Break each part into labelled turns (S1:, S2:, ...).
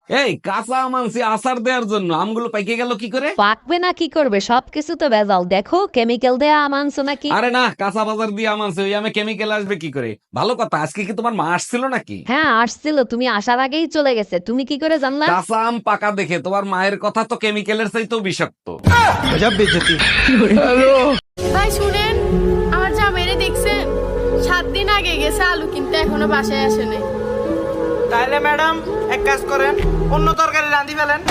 S1: এই কাঁচা আম আনছি আচার দেওয়ার জন্য, আমগুলো পাইকে গেল কি করে?
S2: পাকবে না কি করবে, সবকিছু তো ভেজাল। দেখো কেমিক্যাল দেয়া আম আনছো নাকি?
S1: আরে না, কাঁচা বাজার দিয়ে আম আনছে, ওই আমে কেমিক্যাল আসবে কি করে? ভালো কথা, আজকে কি তোমার মা আসছিল নাকি?
S2: হ্যাঁ আসছিল, তুমি আসার আগেই চলে গেছে। তুমি কি করে জানলা?
S1: কাঁচা আম পাকা দেখে তোমার মায়ের কথা তো কেমিক্যালের চাইতেও বিষাক্ত।
S3: ভাই শুনেন, আমার জামাইরে দেখছেন 7 দিন আগে গেছে আলু কিনতে, এখনো বাসায় আসে নাই।
S4: তাহলে ম্যাডাম এক কাজ করেন, অন্য তরকারি রাঁধি ফেলেন।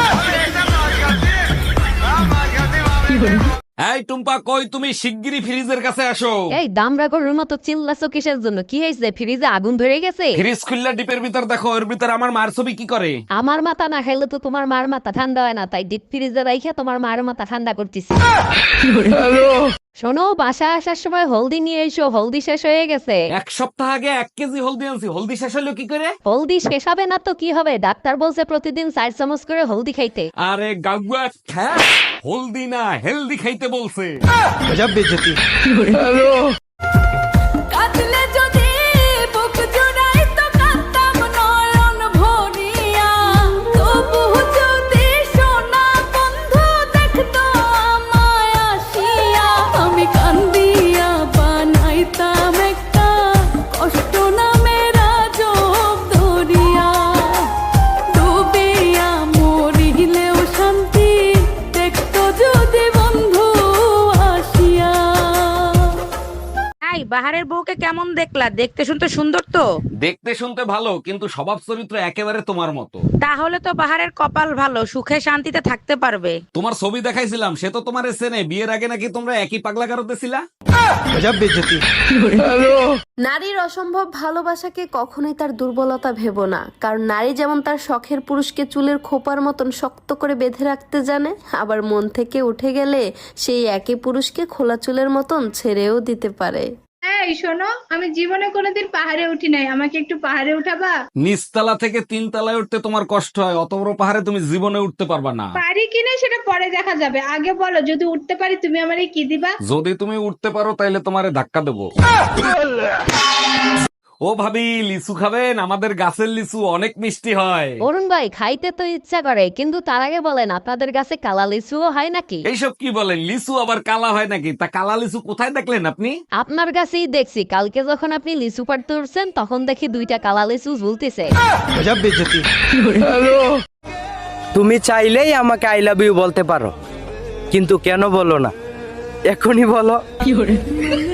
S1: এই টুম্পা, কই তুমি? শিগগিরই ফ্রিজের কাছে আসো।
S2: এই দামরা গরুর মতো চিল্লাছো কিসের জন্য? কি হয়েছে? ফ্রিজে আগুন ধরে গেছে?
S1: ফ্রিজ খুললা ডিপের ভিতর দেখো, ওর ভিতর আমার মার ছবি কি করে?
S2: আমার মাথা না খাইলে তো তোমার মার মাথা ঠান্ডা হয় না, তাই ডিপ ফ্রিজে রাইখা তোমার মার মাথা ঠান্ডা করতেছি। শোনো, বাসায় আসার সময় হলদি নিয়ে এসো, হলদি শেষ হয়ে গেছে।
S1: 1 সপ্তাহ আগে 1 কেজি হলদি আনছি, হলদি শেষ হলো কি করে?
S2: হলদি শেষ হবে না তো কি হবে? ডাক্তার বলছে প্রতিদিন 4 চামচ করে হলদি খাইতে।
S1: আরে গাগুয়া খ্যাত, হলদি না হেলদি খাইতে বলছে।
S3: কাটলে যদি বুক জুড়াই তো কাঁদতাম নয়ন ভরিয়া, তবু যদি সোনা বন্ধু দেখতো আমায় আসিয়া, আমি কান্দিয়া বানাইতাম একটা কষ্ট নামের আজব দরিয়া, ডুবিয়া মরিলেও শান্তি দেখতো যদি বন্ধু আসিয়া।
S5: এই বাহারের বউকে কেমন দেখলা? দেখতে শুনতে সুন্দর তো।
S1: দেখতে শুনতে ভালো, কিন্তু স্বভাব চরিত্র একেবারে তোমার মতো।
S5: তাহলে তো বাহারের কপাল ভালো, সুখে শান্তিতে থাকতে পারবে।
S1: তোমার ছবি দেখাইছিলাম, সে তো তোমার চেনে। বিয়ের আগে নাকি তোমরা একই পাগলা গারোতে ছিলা।
S6: নারীর অসম্ভব ভালোবাসাকে কখনোই তার দুর্বলতা ভেবো না, কারণ নারী যেমন তার শখের পুরুষকে চুলের খোপার মতন শক্ত করে বেঁধে রাখতে জানে, আবার মন থেকে উঠে গেলে সেই একই পুরুষকে খোলা চুলের মতন ছেড়েও দিতে পারে।
S7: এই শোনো, আমি জীবনে কোনোদিন পাহাড়ে উঠি নাই, আমাকে একটু পাহাড়ে উঠাবা?
S1: নিচতলা থেকে 3 তলায় উঠতে তোমার কষ্ট হয়, অত বড় পাহাড়ে তুমি জীবনে উঠতে পারবা না।
S7: পারি কিনা সেটা পরে দেখা যাবে, আগে বলো যদি উঠতে পারি তুমি আমারে কি দিবা?
S1: যদি তুমি উঠতে পারো তাইলে তোমারে ধাক্কা দেবো। ও ভাবি, লিচু খাবেন? আমাদের গাছের লিচু অনেক মিষ্টি হয়।
S2: অরুণ ভাই, খাইতে তো ইচ্ছা করে, কিন্তু তার আগে বলেন আপনাদের কাছে কালা লিচুও হয় নাকি?
S1: এইসব কি বলেন? লিচু আবার কালা হয় নাকি? তা কালা লিচু কোথায় দেখলেন আপনি?
S2: আপনার কাছেই দেখছি, কালকে যখন আপনি লিচু পাড়তে উঠছেন তখন দেখি 2টা কালা লিচু ঝুলতেছে।
S4: তুমি চাইলেই আমাকে আই লাভ ইউ বলতে পারো, কিন্তু কেন বলো না? এখনই বলো।